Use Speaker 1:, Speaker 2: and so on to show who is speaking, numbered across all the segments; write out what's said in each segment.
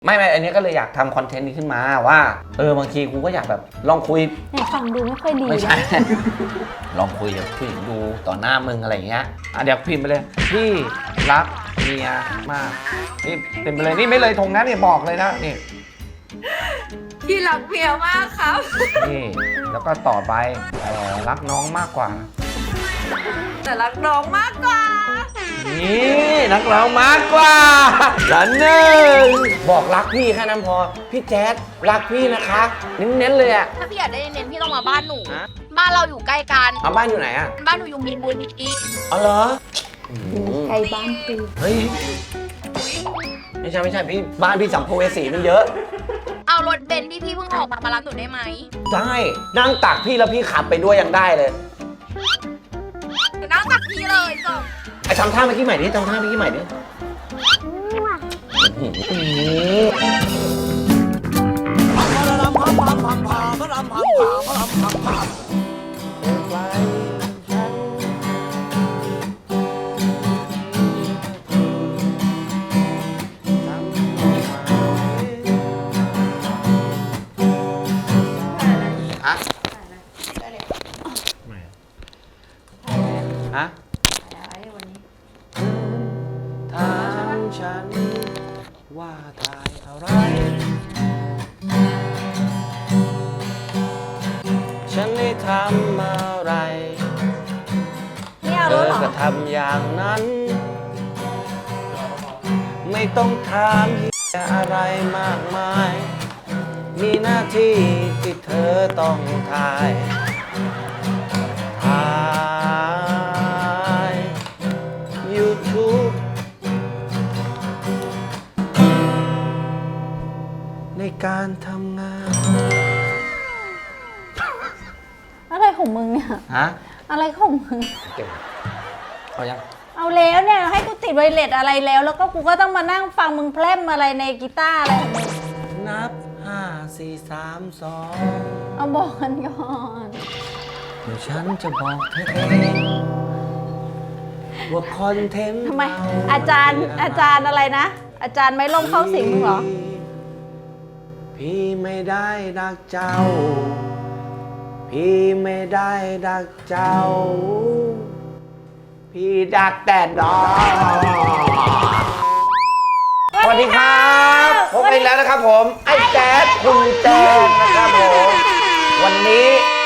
Speaker 1: ไม่อันนี้ก็เลยอยากทำคอนเทนต์นี้ขึ้นมาว่าบางทีกูก็อยากแบบลองคุย
Speaker 2: ฟังดูไม่ค่อยดี
Speaker 1: ไม่ใช่ ลองคุยกับผู้หญิงดูต่อหน้ามึงอะไรอย่างเงี้ยเดี๋ยวพิมพ์ไปเลยพี่รักเมียมากนี่เป็นไปเลยนี่ไม่เลยทงนะนี่บอกเลยนะนี่
Speaker 3: พี่รักเมียมากครับ
Speaker 1: นี่แล้วก็ต่อไปรักน้องมากกว่า
Speaker 3: แต่รักน้องมากกว่า
Speaker 1: นี่รักน้องมากกว่าละหนึ่งบอกรักพี่แค่นั้นพอพี่แจ๊ดรักพี่นะคะเน้นๆเลยอะ
Speaker 3: ถ้าพี่อยากได้เน้นพี่ต้องมาบ้านหนูบ้านเราอยู่ใกล้กัน
Speaker 1: บ้านอยู่ไหนอะ
Speaker 3: บ้านหนูอยู่มีนบุรี
Speaker 1: อ๋อเหรอ
Speaker 2: ใกล้บ้านคือ
Speaker 1: เฮ้ยไม่ใช่พี่บ้านพี่สัมภเวสีมันเยอะ
Speaker 3: เอารถเบนซ์ที่พี่เพิ่งออกมารับหนูได้ไหม
Speaker 1: ได้นั่งตักพี่แล้วพี่ขับไปด้วยยังได้เลย
Speaker 3: หนูนั่งตักพี่เลยจบ
Speaker 1: ไอ้ทำท่าเมื่อกี้ใหม่ดิทำท่าเมื่อกี้ใหม่ดิฮะถามฉันว่าถ่ายอะไรฉันได้ทำอะไรเธอก็ทำอย่างนั้นไม่ต้องถามอะไรมากมายมีหน้าที่ที่เธอต้องถ่ายYouTube ในการทำงาน
Speaker 2: อะไรของมึงเนี่ย
Speaker 1: ฮะ
Speaker 2: อะไรของมึง
Speaker 1: เก็บเอายัง
Speaker 2: เอาแล้วเนี่ยให้กูติดไวเลสอะไรแล้วก็กูก็ต้องมานั่งฟังมึงแพร่มอะไรในกีตาร์อะไรของมึง
Speaker 1: นับ5 4 3 2
Speaker 2: เอาบอกกันก่อน
Speaker 1: เดี๋ยวฉันจะบอกเธอเองว่าคอนเทนต์
Speaker 2: ทำไมอาจารย์อะไรนะอาจารย์ไม่ลงเข้าสิงมึงเหรอ
Speaker 1: พี่ไม่ได้ดักเจ้าพี่ไม่ได้ดักเจ้าพี่ดักแต่ดอกสวัสดีครับพบกันอีกแล้วนะครับผมไอ้แจ๊ดคุณแจ๊ดนะครับผมวันนี้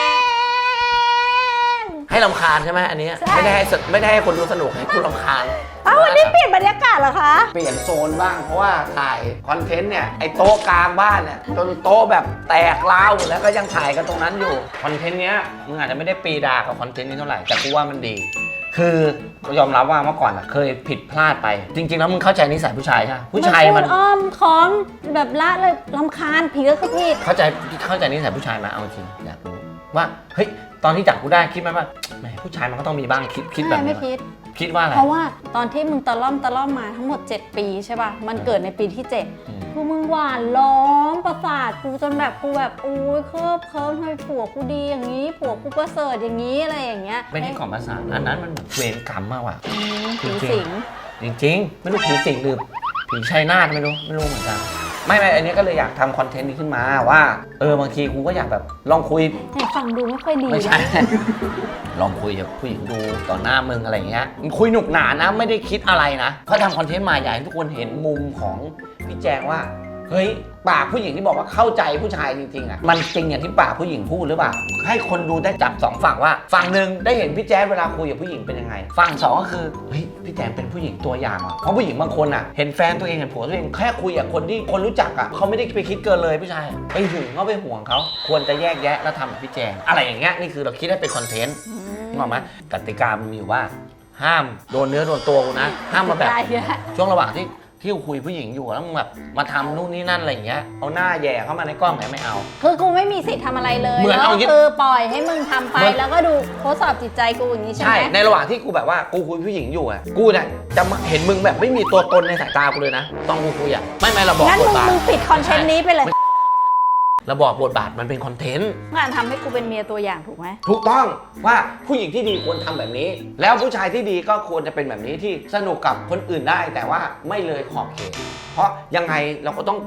Speaker 1: ให้รำคาญใช่ไหมอันนี้ไม่ได้ให้คนดูสนุกให้คุณรำคาญ
Speaker 2: วันนี้เปลี่ยนบรรยากาศเหรอคะ
Speaker 1: เปลี่ยนโซนบ้างเพราะว่าถ่ายคอนเทนต์เนี่ยไอ้โต๊ะกลางบ้านเนี่ยจนโต๊ะแบบแตกร้าวแล้วก็ยังถ่ายกันตรงนั้นอยู่คอนเทนต์เนี้ยมึงอาจจะไม่ได้ปีดากับคอนเทนต์นี้เท่าไหร่แต่กูว่ามันดีคือยอมรับว่าเมื่อก่อนเคยผิดพลาดไปจริงๆแล้วมึงเข้าใจนิสัยผู้ชายใช่ไหมผู้ชายมัน
Speaker 2: อ้อมค้อมแบบละเลยรำคาญผิดก็คือผิด
Speaker 1: เข้าใจนิสัยผู้ชายมาเอาจริงอยากรู้ว่าเฮ้ยตอนที่จับกูได้คิดไหมว่าแหมผู้ชายมันก็ต้องมีบ้างคิดแบบนี้คิดว่าอะไร
Speaker 2: เพราะว่าตอนที่มึงตะล่อมมาทั้งหมด7 ปีใช่ป่ะมันเกิดในปีที่7คือมึงหวานล้อมประสาทกูจนแบบกูแบบโอ้ยเคิบทำไมผัวกูดีอย่างนี้ผัวกูประเสริฐอย่างนี้อะไรอย่างเงี้ย
Speaker 1: ไม่ใช่ของประสาทอันนั้นมันแบบเวรกรรมมากว่ะ
Speaker 2: ผีสิง
Speaker 1: จริงไม่รู้ผีสิงหรือผีชัยนาทไม่รู้เหมือนกันไม่อันนี้ก็เลยอยากทำคอนเทนต์นี้ขึ้นมาว่าบางทีกูก็อยากแบบลองคุย
Speaker 2: ฟังดูไม่ค่อยดี
Speaker 1: ไม่ใช่ ลองคุยกับผู้หญิงดูต่อหน้ามึงอะไรเงี้ยคุยหนุกหนานะไม่ได้คิดอะไรนะเขาทำคอนเทนต์มาอยากให้ทุกคนเห็นมุมของพี่แจงว่าเฮ้ยปากผู้หญิงที่บอกว่าเข้าใจผู้ชายจริงๆอ่ะมันจริงอย่างที่ปากผู้หญิงพูดหรือเปล่าให้คนดูได้จับ2ฝั่งว่าฝั่งหนึ่งได้เห็นพี่แจ๊ดเวลาคุยกับผู้หญิงเป็นยังไงฝั่ง2ก็คือเฮ้ยพี่แจ๊ดเป็นผู้หญิงตัวอย่างอ่ะเพราะผู้หญิงบางคนอ่ะเห็นแฟนตัวเองเห็นผัวตัวเองแค่คุยกับคนที่คนรู้จักอ่ะเขาไม่ได้ไปคิดเกินเลยผู้ชายไปหึงเขาไปห่วงเขาควรจะแยกแยะแล้วทำแบบพี่แจ๊ดอะไรอย่างเงี้ยนี่คือเราคิดให้เป็นคอนเทนต์นึกออกไหมกติกามันมีอยู่ว่าห้ามโดนเนื้อโดนตัวกูนะห้ามมาแบบช่วงระหว่างที่คุยผู้หญิงอยู่แล้วมึงแบบมาทำนู่นนี่นั่นอะไรอย่างเงี้ยเอาหน้าแย่เข้ามาในกล้องไม่เอา
Speaker 2: คือกูไม่มีสิทธิ์ทำอะไรเลยแล้วคือปล่อยให้มึงทำไปแล้วก็ดูทดสอบจิตใจกูอย่างนี้ใช่ไหม
Speaker 1: ใช่ในระหว่างที่กูแบบว่ากูคุยผู้หญิงอยู่อ่ะกูเนี่ยจะเห็นมึงแบบไม่มีตัวตนในสายตากูเลยนะต้องกูคุยอ่ะไม่เราบอก
Speaker 2: งั้นมึงปิดคอนเทนต์นี้ไปเลย
Speaker 1: เราบอกบทบาทมันเป็นคอนเทนต์
Speaker 2: งานทำให้กูเป็นเมียตัวอย่างถูกไหม
Speaker 1: ถูกต้องว่าผู้หญิงที่ดีควรทำแบบนี้แล้วผู้ชายที่ดีก็ควรจะเป็นแบบนี้ที่สนุกกับคนอื่นได้แต่ว่าไม่เลยขอบเขตเพราะยังไงเราก็ต้อง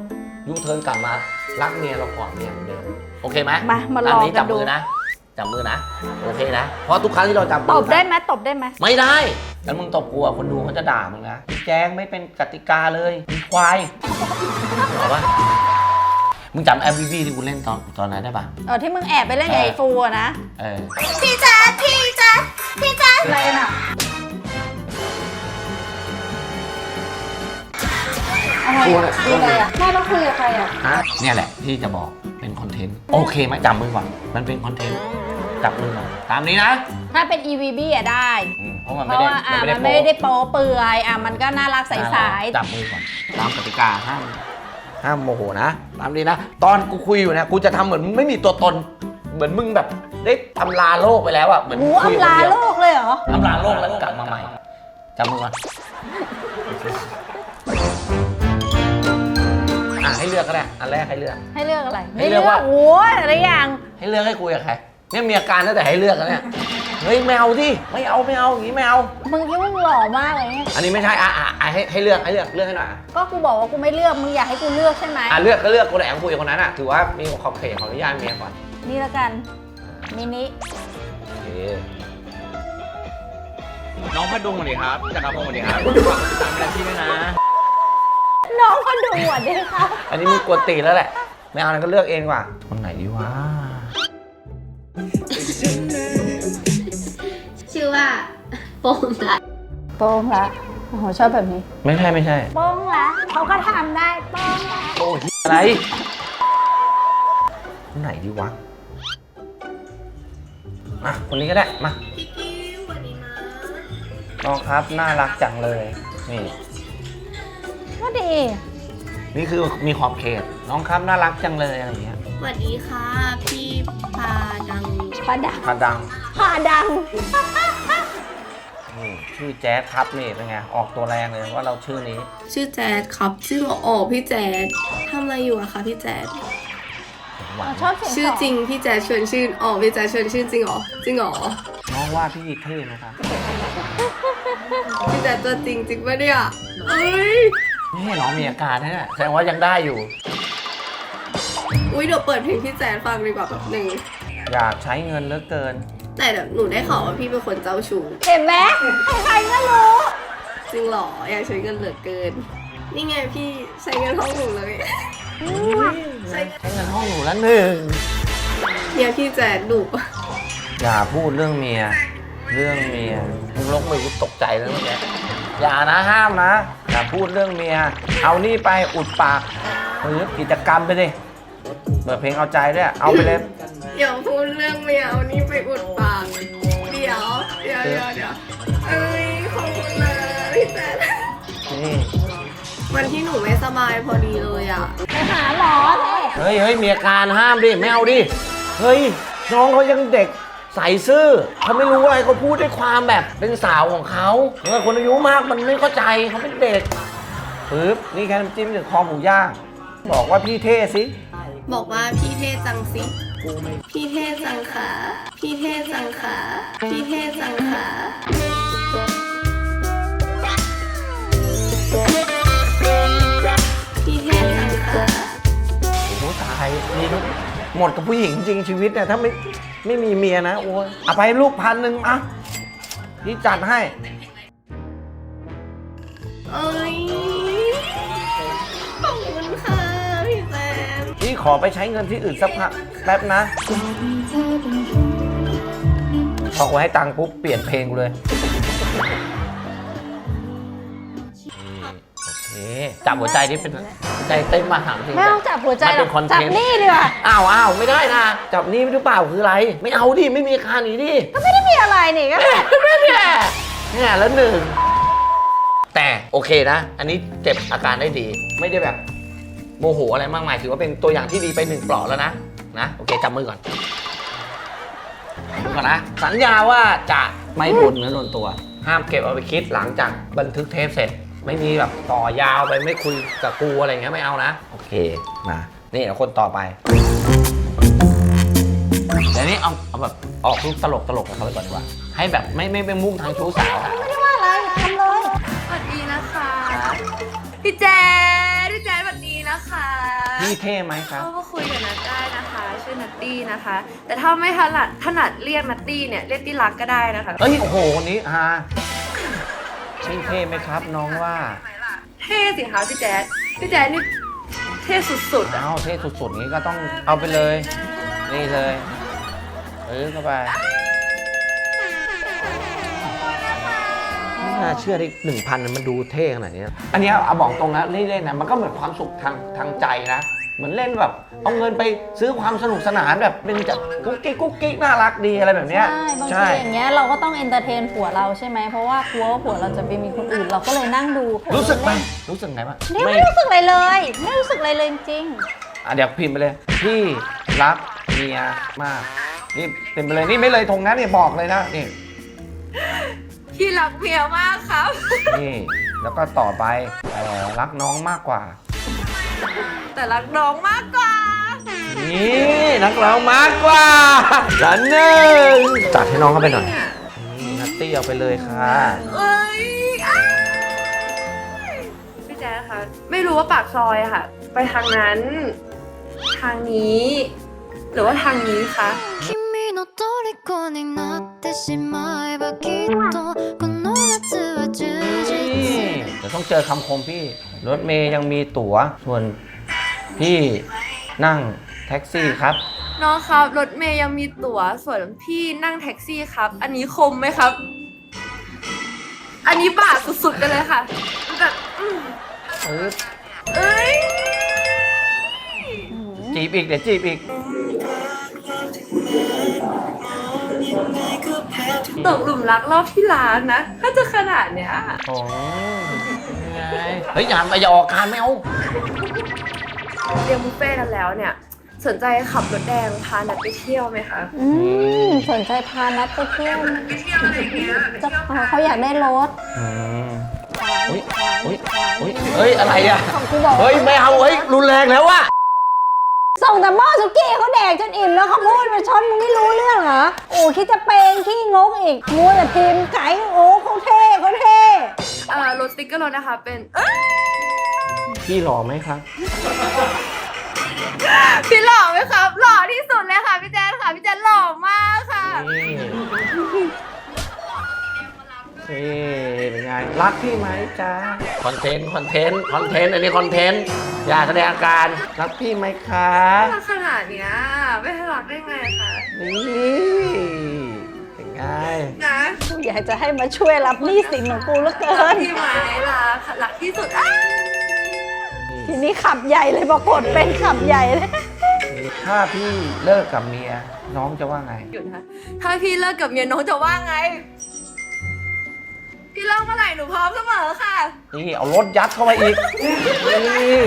Speaker 1: ยูเทิร์นกลับมารักเมียเราก่อนเมียเหมือนเดิมโอเคไหม
Speaker 2: มาลอง
Speaker 1: นี้
Speaker 2: กั
Speaker 1: จั
Speaker 2: น
Speaker 1: บ
Speaker 2: ดู
Speaker 1: มือนะจับมือนะโอเคนะเพราะทุกครั้งที่เราจับมื
Speaker 2: ตบได้ไหมตบได้ไหม
Speaker 1: ไม่ได้แล้วมึงตบกูอ่ะคนดูเขาจะด่ามึงนะแจ้งไม่เป็นกติกาเลยมึงควายบอกว่ามึงจำ MVP ที่กูเล่นตอนนั้นได้ปะ
Speaker 2: ที่มึงแอบไปเล่นกับไอ้ฟูอะนะ
Speaker 3: พี่แจ๊ดพี่แจ๊ดพี่แจ๊ด
Speaker 2: อะไรน่ะอะไร
Speaker 1: กู
Speaker 2: อะ
Speaker 1: เนี่ย
Speaker 2: คืออะไรอะแม่ต้องคุยกับใครอะ
Speaker 1: ฮะเนี่ยแหละที่จะบอกเป็นคอนเทนต์โอเคไหมจับมือก่อนมันเป็นคอนเทนต์จับมือก่อนตามนี้นะ
Speaker 2: ถ้าเป็น EVB อะได้
Speaker 1: เพราะมัน
Speaker 2: เพ
Speaker 1: ไม่
Speaker 2: ราะ
Speaker 1: ได้
Speaker 2: ว่ามัน
Speaker 1: โป๊ะ
Speaker 2: ไม่ได้โป๊เปลือยมันก็น่ารักใส
Speaker 1: จับมือก่อนตามกติกาห้ามโมโหนะตามนี้นะตอนกูคุยอยู่เนี่ยกูจะทำเหมือนมึงไม่มีตัวตน เหมือนมึงแบบได้อำลาโลกไปแล้วอะเหมือน
Speaker 2: ๆหู
Speaker 1: คุย
Speaker 2: อำลา
Speaker 1: คนเดียว
Speaker 2: โลกเลยเหรอ
Speaker 1: อำลาโลกแล้วกลับมาใหม่จับมือก่อนให้เลือกก็ได้อันแรกให้เลือก
Speaker 2: ให้เลือกอะไร
Speaker 1: ให้เลือกว่า
Speaker 2: โอ้ยอะไรอย่าง
Speaker 1: ให้เลือกให้คุยกับใครเนี่ยมีอาการตั้งแต่ให้เลือกแล้วเนี่ยเฮ้ยไม่เอาดิไม่เอาอย่างนี้ไม่เอา
Speaker 2: มึงคิดว่ามึงหล่อมากเลยเนี่ย
Speaker 1: อันนี้ไม่ใช่ให้เลือกให้หน่อย
Speaker 2: ก็กูบอกว่ากูไม่เลือกมึงอยากให้กูเลือกใช่ไหม
Speaker 1: เลือกก็เลือกคนไหนคุยกับคนนั้นถือว่ามีขอบเขตของอนุญาตเมียก่อน
Speaker 2: นี่ละกันมินิ
Speaker 1: โอเค
Speaker 4: น้องพดุงสวัสดีครับจักรพงศ์สวัสดีครับตามเวลาที่ด้วยนะ
Speaker 2: น้องก็ดูหวดด้วยครับ
Speaker 1: อันนี้มึงกวนตีนแล้วแหละไม่เอานั้นก็เลือกเองดีกว่าคนไหนดีวะ
Speaker 3: ชื่อว่าโป่งละ
Speaker 2: โป้งละโอ้โหชอบแบบนี้
Speaker 1: ไม่ใช่
Speaker 2: โป้งละเขาก็ทำได้โป้งละ
Speaker 1: โอ้ยอะไรคนไหนดีวะคนนี้ก็ได้มา
Speaker 3: พี่กิ้วสวัสดีนะ
Speaker 1: น้องครับน่ารักจังเลยนี่
Speaker 2: ก็ดี
Speaker 1: นี่คือมีขอบเขตน้องครับน่ารักจังเลยอะไรอย่างเงี้ย
Speaker 3: สวัสดีค่ะพี่พาดัง
Speaker 2: พาดัง
Speaker 1: พาดัง
Speaker 2: พาดัง
Speaker 1: นี่ชื่อแจ๊ดครับนี่เป็นไงออกตัวแรงเลยว่าเราชื่อนี้
Speaker 3: ชื่อแจ๊ดครับชื่อพี่แจ๊ดทำอะไรอยู่อะคะพี่แจ๊ด
Speaker 1: หวาน
Speaker 2: ชอบเสียง
Speaker 3: ชื่อจริงพี่แจ๊ดชวนชื่นพี่แจ๊ดชวนชื่นจริงเหรอจริงเหรอ
Speaker 1: น้องว่าพี่เท่ไหมครับ
Speaker 3: พี่แจ๊ดตัวจริงจริงปะเนี่ยเอ้ย
Speaker 1: นี่น้องมีอาการนะเนี่ยแสดงว่ายังได้อยู่
Speaker 3: อุ้ยเดี๋ยวเปิดเพลงพี่แจ๊ดฟังดีกว่าแบบหนึ่ง
Speaker 1: อยากใช้เงินเหลือเกิน
Speaker 3: แต่เดี๋ยวหนูได้ข่าวว่าพี่เป็นคนเจ้าชู้
Speaker 2: เห็นไหมใครๆก็รู้
Speaker 3: จริงเหรออยากใช้เงินเหลือเกิน นี่ไงพี่ใช้เงินห้องหนูเลย
Speaker 1: ใช้เงินห้องหนูละหนึ่ง
Speaker 3: เนี่ยพี่แจ๊ดดุ
Speaker 1: อย่าพูดเรื่องเมียมึงลงมือกูตกใจแล้วเมื่อกี้อย่านะห้ามนะอย่าพูดเรื่องเมียเอานี่ไปอุดปากกิจกรรมไปดิเปิดเพลงเอาใจด้วยเอาไปเลย
Speaker 3: เดี๋ยวพูดเรื่องไม่เอานี่ไปอุดปากเดี๋ยวเอ้ยขอบคุณนะพี่แจ๊ด
Speaker 1: นี่
Speaker 3: วันที่หนูไม่สบายพอดีเลยอ่ะ
Speaker 2: ไปหาหมอเถอะ
Speaker 1: เฮ้ยมีอาการห้ามดิไม่เอาดิเฮ้ยน้องเขายังเด็กใส่ซื่อเขาไม่รู้อะไรเขาพูดด้วยความแบบเป็นสาวของเขาคนอายุมากมันไม่เข้าใจเขาเป็นเด็กปึ๊บนี่แค่น้ำจิ้มถึงคอหมูย่างบอกว่าพี่เท่สิ
Speaker 3: บอกว่าพี่เทจังสิพี่เทจังขาพี่เทจังขาพี่เทจังขาพี่เทจังขา
Speaker 1: โอ้โหตายนี่หมดกับผู้หญิงจริงชีวิตเนี่ยถ้าไม่มีเมียนะโอ้ยเอาไปลูก1,000อ่ะพี่จัดให้
Speaker 3: เอ้ยขอบคุณค่ะพี่แจ๊ด
Speaker 1: พี่ขอไปใช้เงินที่อื่นสักพักแป๊บนะพอกูให้ตังค์ปุ๊บเปลี่ยนเพลงกูเลยโอเคจับหัวใจนี่เป็นใจเต้นมาถามจริง
Speaker 2: ไม่ต้องจับหัวใจหรอก
Speaker 1: มันเป็นคอนเท
Speaker 2: จับ
Speaker 1: นต์
Speaker 2: นี่ดีกว่า
Speaker 1: อ้าวไม่ได้นะจับนี่หรือเปล่าคืออะไร ไม่เอาดิไม่มีอาการนี้ดิ
Speaker 2: ก็ไม่ได้มีอะไรนี่ก็
Speaker 1: เนี่ยแล้วหนึ่งแต่โอเคนะ อันนี้เก็บอาการได้ดี ไม่ได้แบบโมโหอะไรมากมายถือว่าเป็นตัวอย่างที่ดีไป1 เปลาะแล้วนะโอเคจับมือก่อนนะสัญญาว่าจะไม่บ่นเนื้อโดนตัว ห้ามเก็บเอาไปคิดหลังจากบันทึกเทปเสร็จ ไม่มีแบบต่อยาวไปไม่คุยกับกูอะไรอย่างเงี้ยไม่เอานะโอเคนะนี่เดี๋ยวคนต่อไปเดี๋ยวนี้เอาแบบออกรูปตลกกับเขาไปก่อนดีกว่าให้แบบไม่เป็นมุ่งทางชู้สาว
Speaker 2: ไม่ได้ว่าอะไรทำเลย
Speaker 3: สวัสดีนะคะพี่แจ๊ดสวัสดีนะคะ
Speaker 1: พี่เท่ไหมครับ
Speaker 3: เข้ามาคุยกับนัทได้นะคะ ชื่อนัตตี้นะคะ แต่ถ้าไม่ถนัดเรียกนัตตี้เนี่ยเรียกที่รักก็ได้นะคะ
Speaker 1: เอ้ยโอ้โหคนนี้พี่เท่ไหมครับน้องว่า
Speaker 3: เท่สิคะพี่แจ๊ดนี่เท่สุดๆอะ
Speaker 1: อ้าวเท่สุดๆนี้ก็ต้องเอาไปเลย นี่เลยเข้าไปไม่น่าเชื่อได้1,000มันดูเท่ขนาดนี้อันเนี้ยเอาบอกตรงนะเล่นๆนะมันก็เหมือนความสุขทางใจนะเหมือนเล่นแบบเอาเงินไปซื้อความสนุกสนานแบบเป็นจากกุ๊กกิ๊กน่ารักดีอะไรแบบเนี้ย
Speaker 2: ใช่บางทีอย่างเงี้ยเราก็ต้องเอนเตอร์เทนผัวเราใช่ไหมเพราะว่ากลัวว่าผัวเราจะไปมีคนอื่นเราก็เลยนั่งดู
Speaker 1: รู้สึกไหมรู้สึกไงบ้าง
Speaker 2: เนี่ยไม่รู้สึกอะไรเลยไม่รู้สึกอะไรเลยจริง
Speaker 1: เดี๋ยวพิมพ์ไปเลยพี่รักเมียมากนี่พิมพ์ไปเลยนี่ไม่เลยทงนะนี่บอกเลยนะนี่
Speaker 3: พี่รักเมียมากครับ
Speaker 1: นี่แล้วก็ต่อไปรักน้องมากกว่า
Speaker 3: แต่รักน้องมากกว่า
Speaker 1: นี่รักเรามากกว่าละหนึ่งจัดให้น้องเข้าไปหน่อยนี่นัตตี้เอาไปเลยค่ะ
Speaker 3: เอ้ยอ้ายพี่แจ๊คคะไม่รู้ว่าปากซอยอะค่ะ ไปทางนั้น ทางนี้ หรือว่าทางนี้คะ
Speaker 5: 君の虜になってしまえばきっとこの夏は充
Speaker 1: นี่
Speaker 5: 実
Speaker 1: เดี๋ยวต้องเจอคำคมพี่รถเมย์ยังมีตั๋วส่วนพี่นั่งแท็กซี่ครับ
Speaker 3: น้องครับรถเมย์ยังมีตั๋วส่วนพี่นั่งแท็กซี่ครับ อันนี้คมไหมครับ อันนี้บาดสุดๆกันเลยค่ะแบบเอ้ย
Speaker 1: จีบอีกเดี๋ยวจีบอีก
Speaker 3: ตกหลุมรักรอบที่ร้านนะ ถ้าจะขนาดเนี้ย
Speaker 1: โอ้ไงเฮ้ยอย่าออกการไม่เอา
Speaker 3: เรียงบุฟเฟ่ต์กันแล้วเนี่ย สนใจขับรถแดงพานัดไปเที่ยวไหมคะ
Speaker 2: สนใจพานัดไปเที่ยว
Speaker 3: ไปเที่ยวอะไรเงี้ย
Speaker 2: เขาอยากได้รถ
Speaker 1: อุ้ยเฮ้ยอะไรอ่ะ
Speaker 2: กูบอก
Speaker 1: เฮ้ยไม่เอาเฮ้ยรุนแรงแล้วว่ะ
Speaker 2: ส่งแต่หม้อสุกี้เขาแดกจนอิ่มแล้วเขาพูดมาชนมึงไม่รู้เรื่องเหรอโอ้คิดจะเป็นขี้งกอีกมัวแต่พิมพ์ไก่โอ้เขาเท่เขาเท่
Speaker 3: รถสติ๊กเกอร์รถนะคะ เป็น
Speaker 1: พี่หล่อไหมครับ
Speaker 3: พี่หล่อไหมครับ หล่อที่สุดเลยค่ะพี่แจ๊คค่ะพี่แจ๊คหล่อมากค่ะ
Speaker 1: นี่เป็นไงรักพี่ไหมจ๊ะคอนเทนต์อันนี้คอนเทนต์อย่าแสดงอาการรักพี่ไหมคะ
Speaker 3: รักขนาดเนี้ยไม่ให้รักได้ไงคะ
Speaker 1: นี่เป็นไง
Speaker 3: นะ
Speaker 2: กูอยากจะให้มาช่วยรับหนี้สินของกูเหลือเกิ
Speaker 3: รัก
Speaker 2: น
Speaker 3: พี่ไหมรักที่สุดอ้า
Speaker 2: ทีนี้ขับใหญ่เลยบอกกดเป็นขับใหญ่เลย
Speaker 1: ถ้าพี่เลิกกับเมียน้องจะว่าไง
Speaker 3: หยุดนะคะถ้าพี่เลิกกับเมียน้องจะว่าไง พี่เลิกเมื่อไหร่หนูพร้อมเสมอค่ะ
Speaker 1: นี่เอารถยัดเข้าไปอีกนี่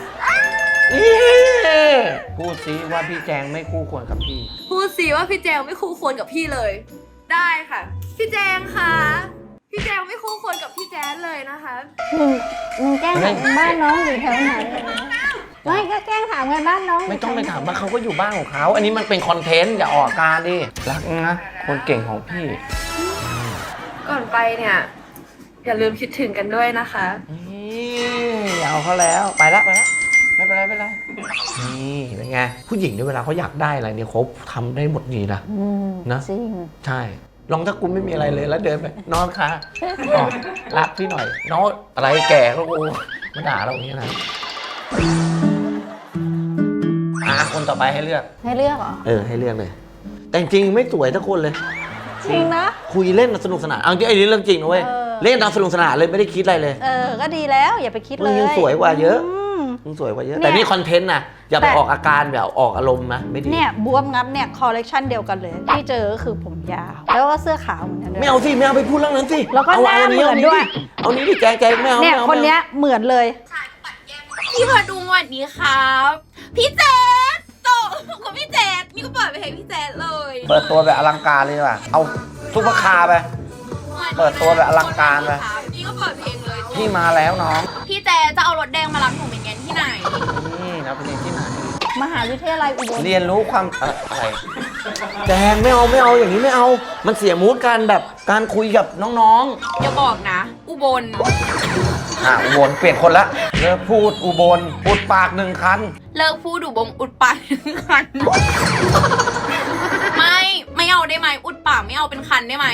Speaker 1: พูดซิว่าพี่แจงไม่คู่ควรกับพี่
Speaker 3: พูดสิว่าพี่แจงไม่คู่ควรกับพี่เลย ได้ค่ะ พี่แจงคะพี่แจงไม่คู่ควรกับพี่แจ๊ดเลยนะคะ
Speaker 2: มึงแกล้งถามบ้านน้องอยู่แถวไหนไม่ก็แกล้งถามกันบ้านน้อง
Speaker 1: ไม่ต้องไปถามว่าเขาก็อยู่บ้านของเขาอันนี้มันเป็นคอนเทนต์อย่าออกอาการดิรักนะคนเก่งของพี่
Speaker 3: ก่อนไปเนี่ย อย่าลืมคิดถึงกันด้วยนะคะ
Speaker 1: นี่เอาเขาแล้วไปละไม่เป็นไรนี่เป็นไงผู้หญิงเนี่ยเวลาเขาอยากได้อะไรเนี่ยเขาทำได้หมดนี่นะนะ
Speaker 2: จริง
Speaker 1: ใช่ลองถ้ากูไม่มีอะไรเลยแล้วเดินไปน้องคะอ๋อรักพี่หน่อยน้องอะไรแก่ก็กูมาด่าเราอย่างนี้นะคนต่อไปให้เลือก
Speaker 2: ให้เลือกเหรอ
Speaker 1: ให้เลือกเลยแต่จริงๆไม่สวยทุกคนเลย
Speaker 2: จริงนะ
Speaker 1: คุยเล่นสนุกสนานเอาจริงไอ้นี่เรื่องจริงนะเว้ย เล่นตามสนุกสนานเลยไม่ได้คิดอะไรเลย
Speaker 2: ก็ดีแล้วอย่าไปคิด
Speaker 1: มึ
Speaker 2: เล
Speaker 1: ง
Speaker 2: ย
Speaker 1: ยังสวยกว่าเยอะ
Speaker 2: ม
Speaker 1: มึงสวยกว่าเยอะ
Speaker 2: เนี่ย
Speaker 1: แต่นี่คอนเทนต์นะอย่าไป
Speaker 2: แต่
Speaker 1: ออกอาการแบบออกอารมณ์นะไม่ดี
Speaker 2: เนี่ยบวมงับเนี่ยคอลเลกชันเดียวกันเลยที่เจอก็คือผมยาว แล้วก็เสื้อขาวเหมือนกันด้วย
Speaker 1: ไม่เอาสิไม่เอาไปพูดเรื่องนั้นสิ
Speaker 2: แล้วก็หน้าเหมือนด้วย
Speaker 1: เอานี้ดิแจงไม่เอา
Speaker 2: เนี่ย
Speaker 1: ไม่อา
Speaker 2: คนเนี้ยเหมือนเลย
Speaker 6: พี่พาดูสวัสดีครับ พี่เจษโตกับพี่เจษนี่ก็เปิดไปให้พี่เจษเลย
Speaker 1: เปิดตัวแบบอลังการเลยว่ะเอาซุปเปอร์คาร์ไป เปิดตัวแบบอลังการเลย
Speaker 6: นี่ก็เปิดเพลงเลย
Speaker 1: พี่มาแล้วน้อง
Speaker 6: พี่เจษจะเอารถแดงมารับหนูเป็นไงที่ไหน
Speaker 1: นี่นะเป็นที่ไหน
Speaker 2: มหาวิทยาลัยอุบล
Speaker 1: เรียนรู้ความอะไรแจงไม่เอาอย่างนี้ไม่เอา มันเสียมูดการแบบการคุยกับน้อง
Speaker 6: อย่าบอกนะ อุบล
Speaker 1: อุบลเปลี่ยนคนละเลิกพูดอุบลอุดปากหนึ่งคัน
Speaker 6: เลิกพูดอุบงอุดปากเป็นคัน ไม่เอาได้ไหมอุดปากไม่เอาเป็นคันได้ไหม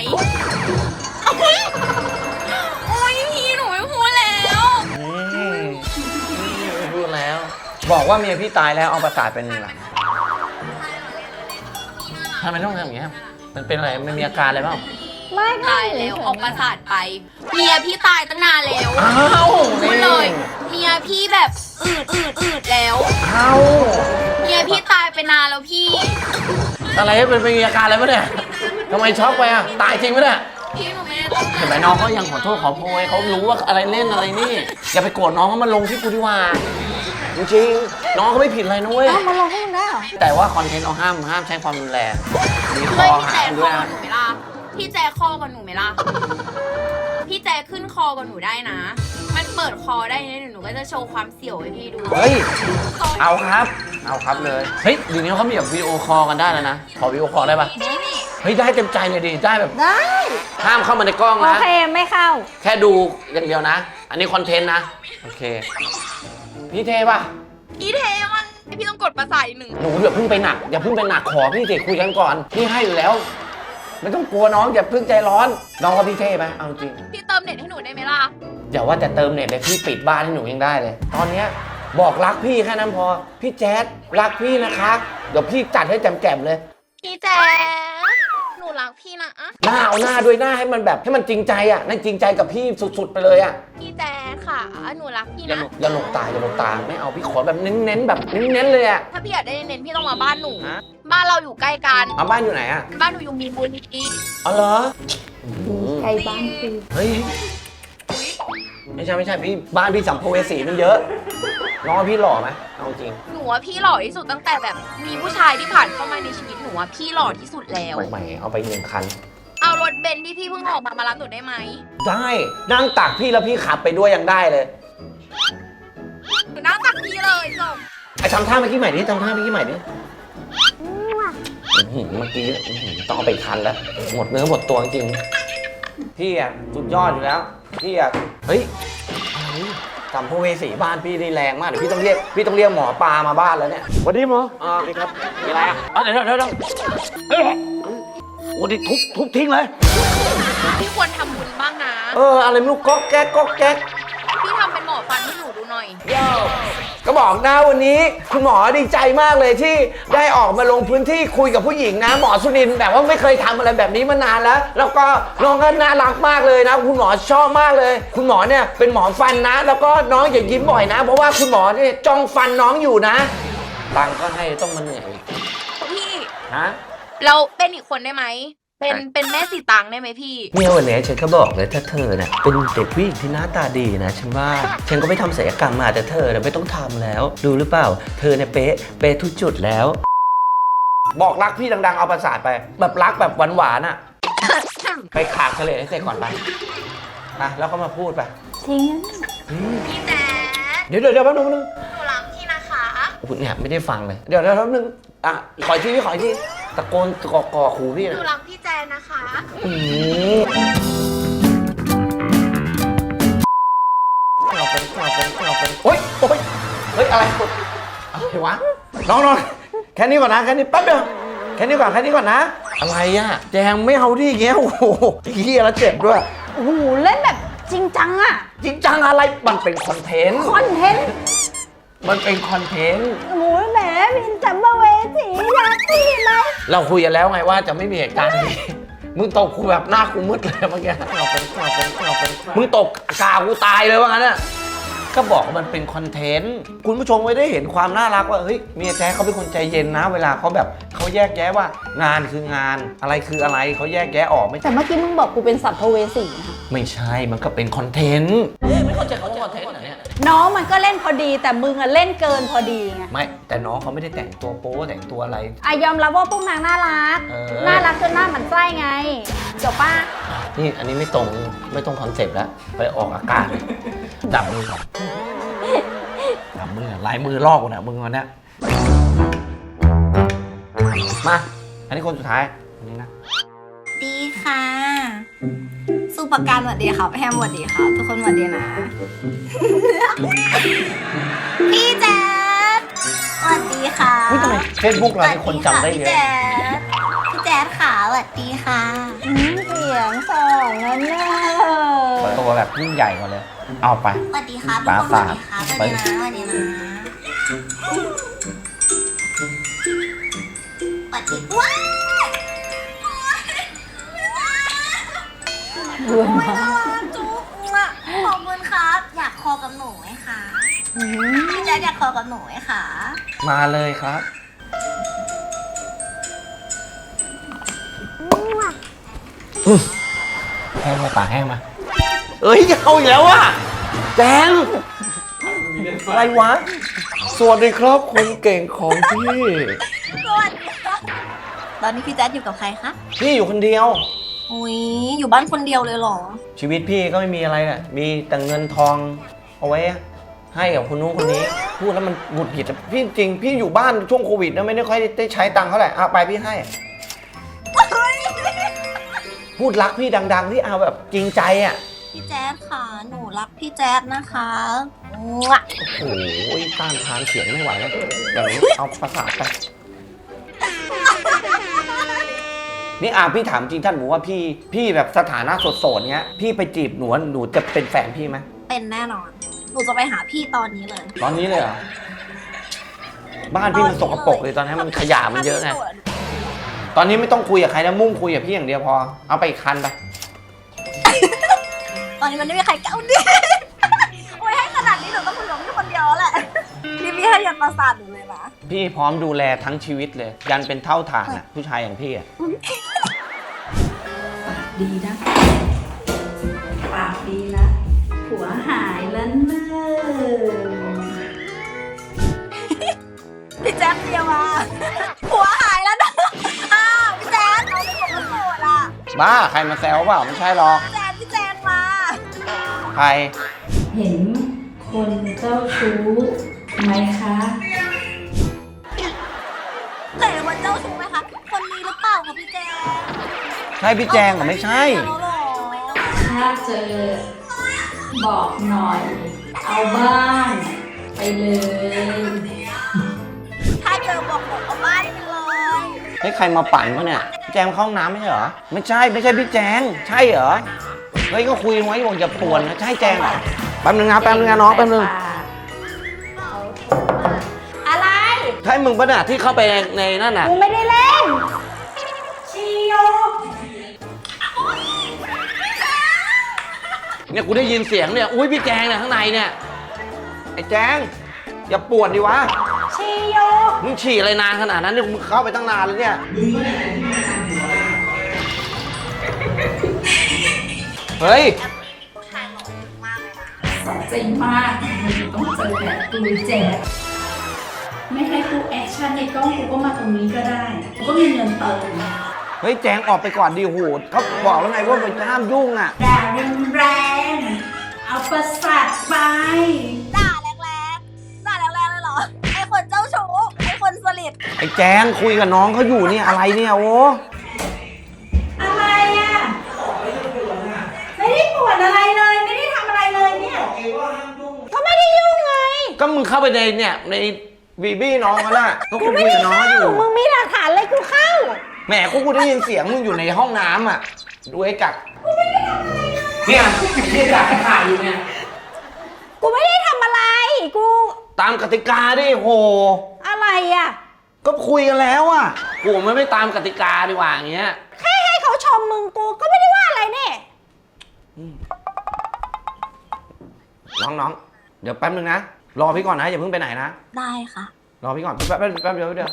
Speaker 6: โอ้ยพี่หนูไม่พูดแล้ว
Speaker 1: พูดแล้ว บอกว่าเมียพี่ตายแล้วเอาประสาทเป็นหลังทำไมต้องทำอย่างเงี้ยมันเป็นอะไรมันมีอาการอะไรบ้าง
Speaker 2: ไม่
Speaker 6: ตายแล้วออกประสาทไป เมียพี่ตายตั้งนานแล้ว
Speaker 1: อ้าว
Speaker 6: พูดเลยเมียพี่แบบอืดแล้ว
Speaker 1: อ้าว
Speaker 6: เมียพี่ตายไปนานแล้วพี่
Speaker 1: อะไรเป็นมีอาการอะไรปะเนี่ยทำไมช็อกไปอ่ะตายจริงปะเนี่ย
Speaker 6: พี่หนูไม่ได้ตั้งใจ
Speaker 1: เห็นไหมน้องเขายังขอโทษขอโพยเขารู้ว่าอะไรเล่นอะไรนี่อย่าไปโกรธน้องเขามาลงที่กูดีกว่าจริงๆน้องเขาไม่ผิดอะไรนะเว้ย
Speaker 2: เอ้ามาลงให้มึงได้เหรอ
Speaker 1: แต่ว่าคอนเทนต์เราห้ามใช้ความรุนแรงมีค
Speaker 6: เฮ้
Speaker 1: อย
Speaker 6: พี่
Speaker 1: หา
Speaker 6: แจ๊
Speaker 1: ม
Speaker 6: ค
Speaker 1: ด้วย
Speaker 6: คอ
Speaker 1: นะ
Speaker 6: กับหนูไหมล่ะพี่แจ๊คคอกับหนูไหมล่ะพี่แจ๊คขึ้นคอกับหนูได้นะ มันเปิดคอได้นะเดี๋ยวหนูก็จะโชว์ความเสี่ยวให้พี่ดู
Speaker 1: เฮ้ยเอาครับเลยเฮ้ยเดี๋ยวนี้เขามีแบบวิดีโอคอลกันได้แล้วนะขอวิดีโอคอลได้ปะเฮ้ยได้เต็มใจเลยดิได้แบบ
Speaker 2: ได้
Speaker 1: ห้ามเข้ามาในกล้อง
Speaker 2: โอ
Speaker 1: นะ
Speaker 2: เคไม่เข้า
Speaker 1: แค่ดูอย่างเดียวนะ อันนี้คอนเทนต์นะโอเคพี่เทปะ
Speaker 6: พี่เทมันพี่ต้องกดประสาทอีกหนึ่ง
Speaker 1: หนูอย่าเพิ่งไปหนักขอพี่สิคุยกันก่อนพี่ให้อยู่แล้วไม่ต้องกลัวน้องอย่าเพิ่งใจร้อนน้องกับพี่เทไหมเอาจริง
Speaker 6: พี่เติมเน็ตให้หนูได้ไหมล่ะ
Speaker 1: อย่าว่าแต่เติมเน็ตเลยพี่ปิดบ้านให้หนูยังได้เลย ตอนเนี้ยบอกรักพี่แค่นั้นพอพี่แจ๊ดรักพี่นะคะเดี๋ยวพี่จัดให้แจ่มๆเลย
Speaker 6: พี่แจ๊คหนูรักพี่นะ
Speaker 1: หน้าเอาหน้าด้วยหน้าให้มันแบบให้มันจริงใจอ่ะนั่นจริงใจกับพี่สุดๆไปเลยอ่ะ
Speaker 6: พี่แจ๊คค่ะ หนูรักพี่
Speaker 1: อย่า
Speaker 6: นะ
Speaker 1: หลบตาไม่เอาพี่ขอแบบเน้นๆแบบเน้นๆเลยอ่ะ
Speaker 6: ถ้าพี่อยากได้เน้นๆพี่ต้องมาบ้านหนู
Speaker 1: ฮะ
Speaker 6: บ้านเราอยู่ใกล้กัน
Speaker 1: เอาบ้านอยู่ไหนอ่ะ
Speaker 6: บ้านหนูอยู่มีบุญที
Speaker 1: อ๋อเหรอ
Speaker 2: ใครบ้านคือ
Speaker 1: เฮ้ยไม่ใช่พี่บ้านพี่สัมภเวสีมันเยอะน้องว่าพี่หล่อไหมเอาจริง
Speaker 6: หนูว่าพี่หล่อที่สุดตั้งแต่แบบมีผู้ชายที่ผ่านเข้ามาในชีวิตหนูว่าพี่หล่อที่สุดแล้ว
Speaker 1: ใหม่เอาไป1 คัน
Speaker 6: เอารถเบนซ์ที่พี่เพิ่งออกมารับหนูได้ไหม
Speaker 1: ได้นั่งตักพี่แล้วพี่ขับไปด้วยยังได้เลย
Speaker 6: หนูนั่งตักพี่เลยจบ
Speaker 1: ไอ้ทำท่าเมื่อกี้ใหม่ดิทำท่าเมื่อกี้ใหม่ดิเมื่อกี้ต้องเอาไปคันแล้วหมดเนื้อหมดตัวจริงพี่อ่ะสุดยอดอยู่แล้วพี่อ่ะเฮ้ยอะไรสัมภเวสีบ้านพี่นี่แรงมากเดี๋ยวพี่ต้องเรียกหมอปลามาบ้านแล้วเนี่ย
Speaker 4: สวัสดีหมอ
Speaker 1: นี่ครับมีอะไรอ่ะเดี๋ยวโอ้ดิทุบทิ้งเลย
Speaker 6: พี่ควรทำบุญบ้างนะ
Speaker 1: อะไรไม่รู้ก๊อกแก๊ก
Speaker 6: พี่ทำเป็นหมอฟันให้หนูดูหน่อย
Speaker 1: ก็บอกนะวันนี้คุณหมอดีใจมากเลยที่ได้ออกมาลงพื้นที่คุยกับผู้หญิงนะหมอสุนินทร์แบบว่าไม่เคยทำอะไรแบบนี้มานานแล้ว แล้วก็น้องก็น่ารักมากเลยนะคุณหมอชอบมากเลย คุณหมอเนี่ยเป็นหมอฟันนะ แล้วก็น้องอย่ายิ้มบ่อยนะ เพราะว่าคุณหมอเนี่ยจ้องฟันน้องอยู่นะตังค์ก็ให้ต้องมาเหนื่อย
Speaker 6: พี่
Speaker 1: ฮะ
Speaker 6: เราเป็นอีกคนได้ไหม เป็นแม่สีตังได้ไหมพี่
Speaker 1: เนี่ยวันนี้ฉันก็บอกเลยถ้าเธอเนี่ยเป็นเด็กผู้หญิงที่หน้าตาดีนะฉันว่าฉันก็ไม่ทำศัลยกรรมมาแต่เธอเนี่ยไม่ต้องทำแล้วดูหรือเปล่า เธอเนี่ยเป๊ะทุกจุดแล้ว บอกรักพี่ดังๆเอาประสาทไปแบบรักแบบหวานๆอ่ะ ไปขากทะเลให้เสร็จก่อนไปแล้วก็มาพูดไป
Speaker 2: จริงนะ
Speaker 6: พี่แจ๊ค
Speaker 1: เดี๋ยวแป๊บนึง
Speaker 6: หนูรักพี่นะคะ
Speaker 1: เนี่ยไม่ได้ฟังเลยเดี๋ยวแป๊บนึงขออีกทีพี่ขออีกทีตะโกนก่อขู่พี่
Speaker 6: ห
Speaker 1: นะ
Speaker 6: นูรักพี่แจ๊คนะคะ
Speaker 1: เอาเป็นโอ๊ยเฮ้ยอะไรวะน้องแค่นี้ก่อนนะแค่นี้แป๊บเดียวแค่นี้ก่อนนะอะไรอ่ะแจงไม่เอาดิอย่างเงี้ยโอ้โหเฮียแล้วเจ็บด้วย
Speaker 2: โอ้โหเล่นแบบจริงจังอะ
Speaker 1: จริงจังอะไรมันเป็นคอนเทนต์
Speaker 2: คอนเทนต์
Speaker 1: มันเป็นคอนเทนต์
Speaker 2: โอ้ยแหมมินสัมภเวสีรักพี่ไหม
Speaker 1: เราคุยกันแล้วไงว่าจะไม่มีเหตุการณ์นี้มึงตกกูแบบหน้ากูมืดเลยเมื่อกี้มึงตกกากูตายเลยว่างั้นน่ะก็บอกว่ามันเป็นคอนเทนต์คุณผู้ชมไม่ได้เห็นความน่ารักว่าเฮ้ยเมียแจ๊คเขาเป็นคนใจเย็นนะ เวลาเขาแบบเขาแยกแยะว่างานคืองานอะไรคืออะไรเขาแยกแยะออกไม่
Speaker 2: แต่เมื่อกี้มึงบอกกูเป็นสัมภเวสีนะ
Speaker 1: ไม่ใช่มันก็เป็นคอนเทนต์ไม่เข้าใจเขาคอนเทนต์เนี่ย
Speaker 2: น้องมันก็เล่นพอดีแต่มึงอะเล่นเกินพอดีไง
Speaker 1: ไม่แต่น้องเขาไม่ได้แต่งตัวโป๊แต่งตัวอะไร
Speaker 2: ยอมรับว่าพวกนางน่ารัก น่ารักจนหน้าหมันไส้ไงจบป่ะ
Speaker 1: นี่อันนี้ไม่ตรงคอนเซ็ปต์แล้วไปออกอากาศจับมือก่อนจับมือลายมือลอกกูนะมึงวันเนี้ยมาอันนี้คนสุดท้ายอันนี้นะ
Speaker 6: ดีค่ะ สุ
Speaker 7: ประกันสวัสดีครับแฮมสวัสดีครับทุกคนสวัสดีนะ พี่แจ๊ดสวัสดีค่ะ
Speaker 1: ทำไมเฟซบุ๊กเรามีคนจำได้เยอะ
Speaker 7: พี่แจ๊ดค่ะสวัสดีค่ะ
Speaker 2: เสียงสองนั่นเนอะ
Speaker 1: เปิดตัวแบบยิ่งใหญ่กว่าเลย เอาไป
Speaker 7: สวัสดีครับ
Speaker 1: ปรา
Speaker 7: ทุกคน
Speaker 1: สา
Speaker 7: ส
Speaker 1: ท
Speaker 7: วัสดีครับสวัสดีนะสวัสดีว้าว
Speaker 2: รวยมาก
Speaker 7: จุ๊บขอบคุณครับอยากคอกับหนูไหมคะพี่แจ๊ดอยากคอกับหนูไหมคะ
Speaker 1: มาเลยครับ แห้งมาปากแห้งมา เอ้ยเอาอีกแล้วว่ะแจงอะไรวะ สวัสดีครับคนเก่งของพี่
Speaker 7: สวัสดีครับตอนนี้พี่แจ๊ดอยู่กับใครคะ
Speaker 1: พี่อยู่คนเดียว
Speaker 7: อุ้ยอยู่บ้านคนเดียวเลยเหรอ
Speaker 1: ชีวิตพี่ก็ไม่มีอะไรแหละมีแต่เงินทองเอาไว้ให้กับคนนู้นคนนี้ พูดแล้วมันหงุดหงิดอะพี่จริง พี่อยู่บ้านช่วงโควิดนะไม่ได้ค่อยได้ใช้ตังค์เท่าไหร่เอาไปพี่ให้ พูดรักพี่ดังๆที่เอาแบบจริงใจอ่ะ
Speaker 7: พี่แจ๊ดค่ะหนูรักพี่แจ๊ดนะคะมั่ว
Speaker 1: โอ้โหต้านทานเสียงไม่ไหวแล้วอย่างนี้เอาประสาทไป นี่พี่ถามจริงท่านหมูว่าพี่แบบสถานะโสดๆเนี้ย พี่ไปจีบหนูจะเป็นแฟนพี่ไหม
Speaker 7: เป็นแน่นอน หนูจะไปหาพี่ตอนนี้เลย
Speaker 1: ตอนนี้เลยเหรอ บ้านพี่มันสกปรกเลยตอนนี้มันขยะมันเยอะไง ตอนนี้ไม่ต้องคุยกับใครนะมุ่งคุยกับพี่อย่างเดียวพอ เอาไปอีกคันไป
Speaker 7: ตอนนี้มันไม่มีใครเก้าดิโอ้ยให้ขนาดนี้หนูต้องคุยกับพี่คนเดียวแหละพี่ให้ยันประสาทหนูเลยนะ
Speaker 1: พี่พร้อมดูแลทั้งชีวิตเลย ยันเป็นเท่าฐานอ่ะผู้ชายอย่างพี่อ่ะ
Speaker 2: ดีนะปากดีนะผัวหายแล้วเนอะ
Speaker 7: พี่แจ๊ดเดียวมาหัวหายแล้วนะอ้าวพี่แจ๊ดเอาไปผมมาโสดอ่ะ
Speaker 1: บ้าใครมาแซวเปล่าไม่ใช่หรอก
Speaker 7: พี่แจ๊ดมา
Speaker 1: ใคร
Speaker 2: เห็นคนเจ้าชู้ไหมคะ
Speaker 7: เคยเป็นคนเจ้าชู้ไหมคะ คนนี้หรือเปล่าคะพี่แจ๊ด
Speaker 1: ใช่พี่แจงเหรอไม่ใช่
Speaker 7: เอาเหรอ
Speaker 2: ถ้าเจอบอกหน่อย เอาบ้านไปเลย
Speaker 7: ถ้าเจอบอกหนูเอาบ้านไปเลย
Speaker 1: เฮ้ยใครมาปั่นเขาเนี่ยพี่แจงเข้าห้องน้ำไม่ใช่เหรอ ไม่ใช่พี่แจง ใช่เหรอ เฮ้ยก็คุยไว้บอกอย่าป่วนนะใช่แจงเหรอแป๊บนึงนะน้องแป๊บนึง
Speaker 2: อะไร
Speaker 1: ใช่มึงปะน่ะที่เข้าไปในนั่นน่ะ
Speaker 2: กูไม่ได้เล่นชิโย
Speaker 1: เนี่ยกูได้ยินเสียงเนี่ย อุ้ยพี่แจงเนี่ยข้างในเนี่ย ไอ้แจง อย่าปวดดิวะ
Speaker 2: ชิโย
Speaker 1: มึงฉี่อะไรนานขนาดนั้นเนี่ยมึงเข้าไปตั้งนานแล้วเนี่ย เฮ้ย
Speaker 2: สะใจมากมึงต้องเจอแบบกูแจ๊ดไม่ให้กูแอคชั่นในกล้องกูก็มาตรงนี้ก็ได้กูก็มีเงินเติม
Speaker 1: เฮ้ยแจงออกไปก่อนดิโหเขาบอกแล้วไงว่ามันห้ามยุ่งอ่ะ
Speaker 2: ด่าแรงๆเอาประสาทไป
Speaker 7: ด่าแรงๆด่าแรงๆเลยเหรอ ไอ้คนเจ้าชู้ ไอ้คนสลิด
Speaker 1: ไอ้แจงคุยกับน้องเขาอยู่เนี่ยอะไรเนี่ยโอ้
Speaker 2: อะไรอ่ะ ไม่ได้ปวดอะไรเลย ไม่ได้ทำอะไรเลยเนี่ย ก็ไม่ได้ยุ่งไง
Speaker 1: ก็มึงเข้าไปในเนี่ยในวีบี้น้องเขาน่ะก็คุยกับน้องเขาอยู่
Speaker 2: มึงมีหลักฐานเลยกูเข้า
Speaker 1: แหมกูได้ยินเสียงมึงอยู่ในห้องน้ำอ่ะดูไอ้กักเนี่ยพี่กักถ่ายอยู่เนี่ย
Speaker 2: กูไม่ได้ทำอะไร กู
Speaker 1: ตามกติกาดิโห
Speaker 2: อะไรอ่ะ
Speaker 1: ก็คุยกันแล้วอ่ะกูไม่ตามกติกาดีกว่าอย่างเงี้ย
Speaker 2: แค่ให้เขาชมมึงกูก็ไม่ได้ว่าอะไรเนี่ย
Speaker 1: น้องเดี๋ยวแป๊บนึงนะรอพี่ก่อนนะอย่าเพิ่งไปไหนนะ
Speaker 7: ได้ค่ะ
Speaker 1: รอพี่ก่อนแป๊บเดียวเดี๋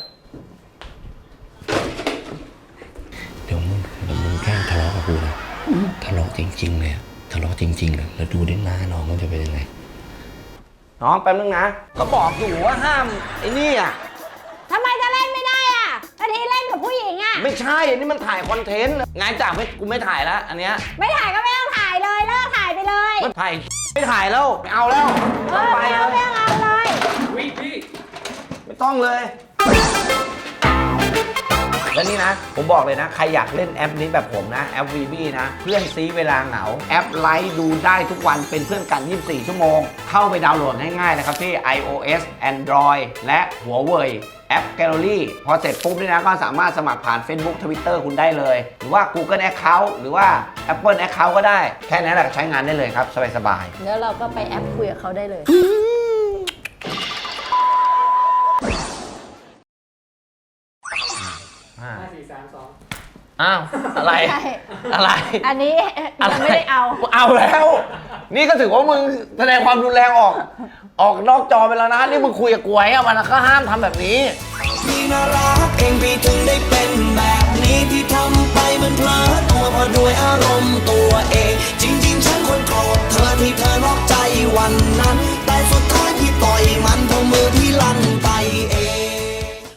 Speaker 1: ยวมึงแกล้งทะเลาะกับกูนะทะเลาะจริงๆเลยทะเลาะจริงๆเลยแล้วดูได้หน้าน้องมันจะเป็นยังไงน้องแป๊บนึงนะก็บอกอยู่ว่าห้ามไอ้นี่อ่ะ
Speaker 2: ทำไมจะเล่นไม่ได้อ่ะอาทิเล่นกับผู้หญิงอ่ะ
Speaker 1: ไม่ใช่อันนี้มันถ่ายคอนเทนต์งานจากกูไม่ถ่ายแล้วอันเนี้ย
Speaker 2: ไม่ถ่ายก็ไม่ต้องถ่ายเลยเลิกถ่ายไปเลย
Speaker 1: มันถ่ายไม่ถ่ายแล้วไม่เอาแล้ว
Speaker 2: เอ
Speaker 1: ต้อง
Speaker 2: อ
Speaker 1: ไป
Speaker 2: ไม่
Speaker 1: เล
Speaker 2: เอา
Speaker 1: ย
Speaker 2: ไม่เอาเลย
Speaker 1: ไม่ต้องเลยแล้วนี่นะ ผมบอกเลยนะ ใครอยากเล่นแอปนี้แบบผมนะ แอป VB นะ เพื่อนซีเวลาเหงา แอปไลฟ์ดูได้ทุกวันเป็นเพื่อนกัน 24 ชั่วโมง เข้าไปดาวน์โหลดง่ายๆนะครับที่ iOS Android และหัวเว่ยแอป Gallery พอเสร็จปุ๊บนี่นะก็สามารถสมัครผ่าน Facebook Twitter คุณได้เลย หรือว่า Google Account หรือว่า Apple Account ก็ได้ แค่นั้นแหละใช้งานได้เลยครับ สบายๆ
Speaker 2: แล้วเราก็ไปแอปคุยกับเขาได้เลย
Speaker 1: อ้าว อะไร
Speaker 2: ใช่
Speaker 1: อะไร
Speaker 2: อันนี้ยังไม่ได้เอา
Speaker 1: เอาแล้ว นี่ก็ถือว่ามึงแสดงความรุนแรงออกนอกจอไปแล้วนะ นี่มึงคุยกับกวยอะมันก็ห้ามทำแบบนี้
Speaker 8: พี่น่ารักเองพี่ถึงได้เป็นแบบนี้ที่ทำไปมันเพลิดตัวเพราะด้วยอารมณ์ตัวเอง จริงๆฉันคนโกรธเธอที่เธอนอกใจวันนั้น แต่สุดท้ายพี่ต่อยมันเพราะมือพี่ลั่น